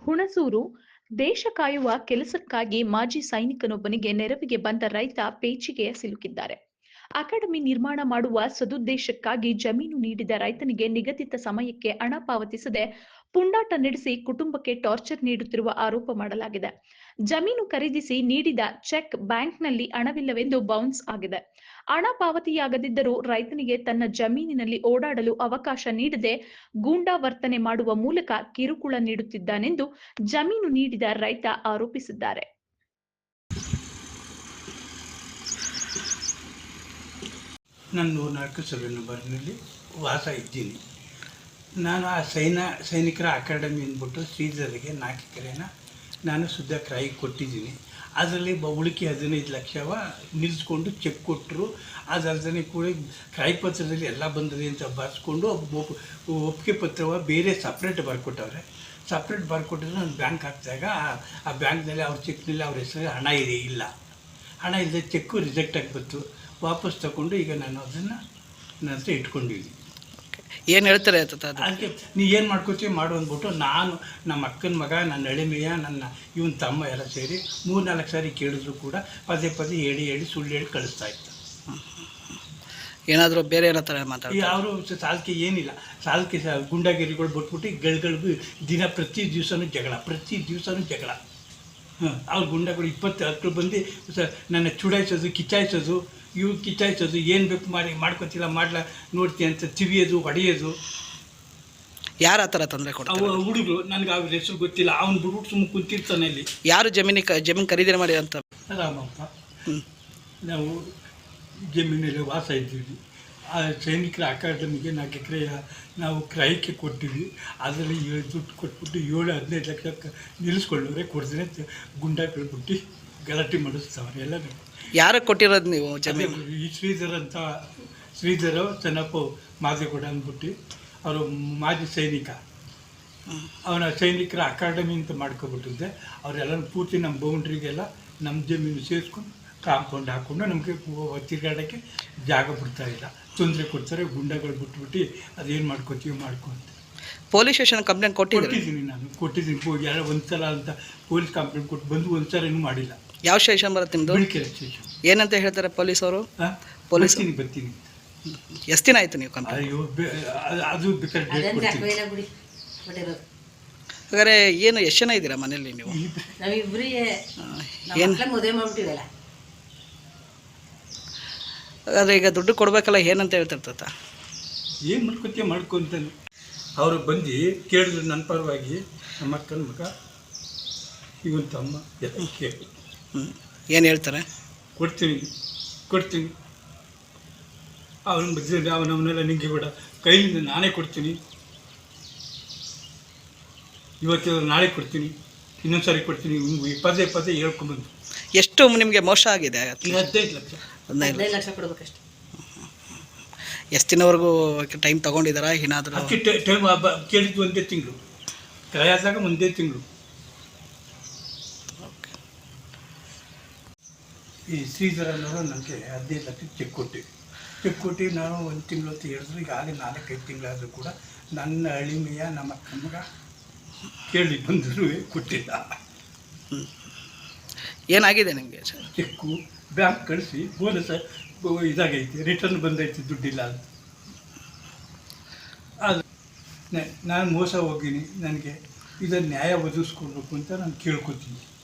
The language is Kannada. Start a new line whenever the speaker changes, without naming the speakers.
ಹುಣಸೂರು ದೇಶ ಕಾಯುವ ಕೆಲಸಕ್ಕಾಗಿ ಮಾಜಿ ಸೈನಿಕನೊಬ್ಬನಿಗೆ ನೆರವಿಗೆ ಬಂದ ರೈತ ಪೇಚಿಗೆ ಸಿಲುಕಿದ್ದಾರೆ. ಅಕಾಡೆಮಿ ನಿರ್ಮಾಣ ಮಾಡುವ ಸದುದ್ದೇಶಕ್ಕಾಗಿ ಜಮೀನು ನೀಡಿದ ರೈತನಿಗೆ ನಿಗದಿತ ಸಮಯಕ್ಕೆ ಹಣ ಪಾವತಿಸದೆ ಪುಂಡಾಟ ನಡೆಸಿ ಕುಟುಂಬಕ್ಕೆ ಟಾರ್ಚರ್ ನೀಡುತ್ತಿರುವ ಆರೋಪ ಮಾಡಲಾಗಿದೆ. ಜಮೀನು ಖರೀದಿಸಿ ನೀಡಿದ ಚೆಕ್ ಬ್ಯಾಂಕ್ನಲ್ಲಿ ಹಣವಿಲ್ಲವೆಂದು ಬೌನ್ಸ್ ಆಗಿದೆ. ಹಣ ಪಾವತಿಯಾಗದಿದ್ದರೂ ರೈತನಿಗೆ ತನ್ನ ಜಮೀನಿನಲ್ಲಿ ಓಡಾಡಲು ಅವಕಾಶ ನೀಡದೆ ಗೂಂಡಾ ವರ್ತನೆ ಮಾಡುವ ಮೂಲಕ ಕಿರುಕುಳ ನೀಡುತ್ತಿದ್ದಾನೆಂದು ಜಮೀನು ನೀಡಿದ ರೈತ ಆರೋಪಿಸಿದ್ದಾರೆ.
ನಾನು 104 ಸರ್ವೆ ನಂಬರ್ನಲ್ಲಿ ವಾಸ ಇದ್ದೀನಿ. ನಾನು ಆ ಸೈನಿಕರ ಅಕಾಡೆಮಿ ಅಂದ್ಬಿಟ್ಟು ಶ್ರೀಧರಿಗೆ 4 ಎಕರೆನ ನಾನು ಶುದ್ಧ ಕ್ರಾಯಿಗೆ ಕೊಟ್ಟಿದ್ದೀನಿ. ಅದರಲ್ಲಿ ಉಳಿಕೆ 15 ಲಕ್ಷವ ನಿಲ್ಲಿಸ್ಕೊಂಡು ಚೆಕ್ ಕೊಟ್ಟರು. ಅದಲ್ಲದೆ ಕೂಡ ಕ್ರಾಯಿ ಪತ್ರದಲ್ಲಿ ಎಲ್ಲ ಬಂದಿದೆ ಅಂತ ಬರ್ಸ್ಕೊಂಡು ಒಪ್ಪಿಗೆ ಪತ್ರವ ಬೇರೆ ಸಪ್ರೇಟ್ ಬರ್ಕೊಟ್ಟವ್ರೆ. ಸಪ್ರೇಟ್ ಬರ್ಕೊಟ್ಟಿದ್ರೆ ನಾನು ಬ್ಯಾಂಕ್ ಹಾಕಿದಾಗ ಆ ಬ್ಯಾಂಕ್ನಲ್ಲಿ ಅವ್ರ ಚೆಕ್ನಲ್ಲಿ ಅವ್ರ ಹೆಸರು ಹಣ ಇಲ್ಲ. ಹಣ ಇಲ್ಲದೆ ಚೆಕ್ಕು ರಿಜೆಕ್ಟ್ ಆಗಿಬಿಟ್ಟು ವಾಪಸ್ ತಗೊಂಡು ಈಗ ನಾನು ಅದನ್ನು ನನ್ನ ಹತ್ರ ಇಟ್ಕೊಂಡಿದ್ದೀನಿ.
ಏನು ಹೇಳ್ತಾರೆ
ಅದಕ್ಕೆ ನೀ ಏನು ಮಾಡ್ಕೋತೀವಿ ಮಾಡು ಅಂದ್ಬಿಟ್ಟು ನಾನು ನಮ್ಮ ಅಕ್ಕನ ಮಗ, ನನ್ನ ಎಳೆಮೆಯ, ನನ್ನ ಇವನ ತಮ್ಮ ಎಲ್ಲ ಸೇರಿ 3-4 ಸಾರಿ ಕೇಳಿದ್ರು ಕೂಡ ಪದೇ ಹೇಳಿ ಸುಳ್ಳು ಹೇಳಿ ಕಳಿಸ್ತಾ ಇತ್ತು.
ಏನಾದರೂ ಬೇರೆ ಏನೋ ಥರ ಮಾತಾಡಿ
ಅವರು ಸಾಲಕ್ಕೆ ಏನಿಲ್ಲ, ಸಾಲಕ್ಕೆ ಗುಂಡಾಗಿರಿಗಳು ಬಿಟ್ಬಿಟ್ಟು ಗಳಿಗೂ ಪ್ರತಿ ದಿವಸನೂ ಜಗಳ. ಅವ್ರ ಗುಂಡಗಳು 20 ಹತ್ತು ಬಂದು ನನ್ನ ಚುಡಾಯಿಸೋದು, ಕಿಚ್ಚಾಯಿಸೋದು ಏನು ಬೇಕು ಮಾಡ್ಕೊತಿಲ್ಲ ನೋಡ್ತೀನಿ ಅಂತ ತಿವಿಯೋದು, ಹೊಡೆಯೋದು.
ಯಾರು ಆ ಥರ ತೊಂದರೆ ಕೊಡ್ತಾರೆ?
ಹುಡುಗರು, ನನಗೆ ಅವ್ರ ಹೆಸರು ಗೊತ್ತಿಲ್ಲ. ಅವ್ನು ಬಿಟ್ಬಿಟ್ಟು ಸುಮ್ಮನೆ ಕುಂತಿರ್ತಾನೆ. ಅಲ್ಲಿ
ಯಾರು ಜಮೀನು ಖರೀದಿ ಮಾಡಿ ಅಂತ?
ರಾಮಪ್ಪ. ನಾವು ಜಮೀನಲ್ಲಿ ವಾಸ ಇದ್ದೀವಿ. ಆ ಸೈನಿಕರ ಅಕಾಡೆಮಿಗೆ 4 ಎಕರೆ ನಾವು ಕ್ರಯಕ್ಕೆ ಕೊಟ್ಟಿವಿ. ಅದರಲ್ಲಿ ದುಡ್ಡು ಕೊಟ್ಬಿಟ್ಟು 7-15 ಲಕ್ಷ ನಿಲ್ಲಿಸ್ಕೊಳ್ಳೋರೆ ಕೊಡ್ತಾರೆ. ಗುಂಡಾಗಳು ಬಿಟ್ಟು ಗಲಾಟೆ ಮಾಡಿಸ್ತಾವ್ರೆ ಎಲ್ಲರೂ.
ಯಾರಿಗೆ ಕೊಟ್ಟಿರೋದು ನೀವು ಜಮೀನು?
ಈ ಶ್ರೀಧರ ಚೆನ್ನಪ್ಪ ಮಾದೇಗೌಡ ಅಂದ್ಬಿಟ್ಟು ಅವರು ಮಾಜಿ ಸೈನಿಕ. ಅವನ ಸೈನಿಕರ ಅಕಾಡೆಮಿ ಅಂತ ಮಾಡ್ಕೊಬಿಟ್ಟಿದ್ದೆ. ಅವರೆಲ್ಲ ಪೂರ್ತಿ ನಮ್ಮ ಬೌಂಡ್ರಿಗೆಲ್ಲ ನಮ್ಮ ಜಮೀನು ಸೇರಿಸ್ಕೊಂಡು ಕಾಂಪೌಂಡ್ ಹಾಕ್ಕೊಂಡು ನಮಗೆ ತಿರುಗಾಡೋಕ್ಕೆ ಜಾಗ ಬಿಡ್ತಾಯಿಲ್ಲ. ತೊಂದರೆ ಕೊಡ್ತಾರೆ. ಗುಂಡಗಳು ಬಿಟ್ಬಿಟ್ಟು ಅದೇನು ಮಾಡ್ಕೊತೀವಿ ಮಾಡ್ಕೊಂತ.
ಪೊಲೀಸ್ ಸ್ಟೇಷನ್ ಕಂಪ್ಲೇಂಟ್
ಕೊಟ್ಟಿದ್ದೀನಿ. ಯಾರೋ ಒಂದ್ಸಲ ಅಂತ ಪೊಲೀಸ್ ಕಂಪ್ಲೇಂಟ್ ಕೊಟ್ಟು ಬಂದು ಒಂದ್ಸಲ ಇನ್ನೂ ಮಾಡಿಲ್ಲ.
ಯಾವ ಸ್ಟೇಷನ್ ಬರುತ್ತೆ ನಿಮ್ಮದು?
ಬಿಳಿಕೆರೆ ಸ್ಟೇಷನ್.
ಏನಂತ ಹೇಳ್ತಾರೆ ಪೊಲೀಸವರು?
ಬರ್ತೀನಿ.
ಎಷ್ಟು ದಿನ ಆಯಿತು ನೀವು ಕಂಪ್ಲೇಂಟ್?
ಅಯ್ಯೋ, ಅದು ಬೇಕಾದ್ರೆ ಡೇಟ್ ಕೊಡ್ತೀನಿ.
ಹಾಗಾದ್ರೆ ಏನು ಎಷ್ಟು ಜನ ಇದ್ದೀರಾ ಮನೇಲಿ ನೀವು? ಹಾಗಾದ್ರೆ ಈಗ ದುಡ್ಡು ಕೊಡ್ಬೇಕಲ್ಲ, ಏನಂತ ಹೇಳ್ತಿರ್ತ?
ಏನು ಮಾಡ್ಕೊತಾನೆ. ಅವರು ಬಂದು ಕೇಳಿದ್ರು ನನ್ನ ಪರವಾಗಿ. ನಮ್ಮ ಅಕ್ಕನ ಮಗ, ಇವನ್ ತಮ್ಮ ಎಲ್ಲ ಕೇಳಿ
ಏನು ಹೇಳ್ತಾರೆ?
ಕೊಡ್ತೀನಿ ಅವನ ಮಧ್ಯದಲ್ಲಿ ಅವನವನ್ನೆಲ್ಲ ನಿಂಗೆ ಬೇಡ, ಕೈಯಿಂದ ನಾನೇ ಕೊಡ್ತೀನಿ, ಇವತ್ತು ನಾಳೆ ಕೊಡ್ತೀನಿ, ಇನ್ನೊಂದು ಸಾರಿ ಕೊಡ್ತೀನಿ, ಪದೇ ಹೇಳ್ಕೊಂಬಂದು.
ಎಷ್ಟು ನಿಮಗೆ ಮೋಸ ಆಗಿದೆ?
15 ಲಕ್ಷ
ಕೊಡ್ಬೇಕಷ್ಟು.
ಎಷ್ಟು ದಿನವರೆಗೂ ಟೈಮ್ ತೊಗೊಂಡಿದ್ದಾರಾ? ಏನಾದರೂ
ಟೈಮ್ ಕೇಳಿದ್ದು 1 ತಿಂಗಳು, ಕ್ರಯಾದಾಗ 1 ತಿಂಗಳು. ಈ ಶ್ರೀಧರನವರು ನನಗೆ 15 ಲಕ್ಷ ಚೆಕ್ ಕೊಟ್ಟು ನಾನು 1 ತಿಂಗಳು ಅಂತ ಹೇಳಿದ್ರು. ಈಗಾಗಲೇ 4-5 ತಿಂಗಳಾದರೂ ಕೂಡ ನನ್ನ ಅಳಿಮೆಯ ನಮ್ಮ ಅಕ್ಕನ ಮಗ ಕೇಳಿ ಬಂದರೂ ಕೊಟ್ಟಿಲ್ಲ.
ಏನಾಗಿದೆ ನಿಮಗೆ?
ಚೆಕ್ಕು ಬ್ಯಾಂಕ್ ಕಳಿಸಿ ಬೋನಸ್ ಇದಾಗೈತೆ, ರಿಟರ್ನ್ ಬಂದೈತೆ, ದುಡ್ಡಿಲ್ಲ ಅಂತ. ಅದು ನಾನು ಮೋಸ ಹೋಗಿನಿ. ನನಗೆ ಇದನ್ನು ನ್ಯಾಯ ಒದಗಿಸ್ಕೊಡ್ಬೇಕು ಅಂತ ನಾನು ಕೇಳ್ಕೊತೀನಿ.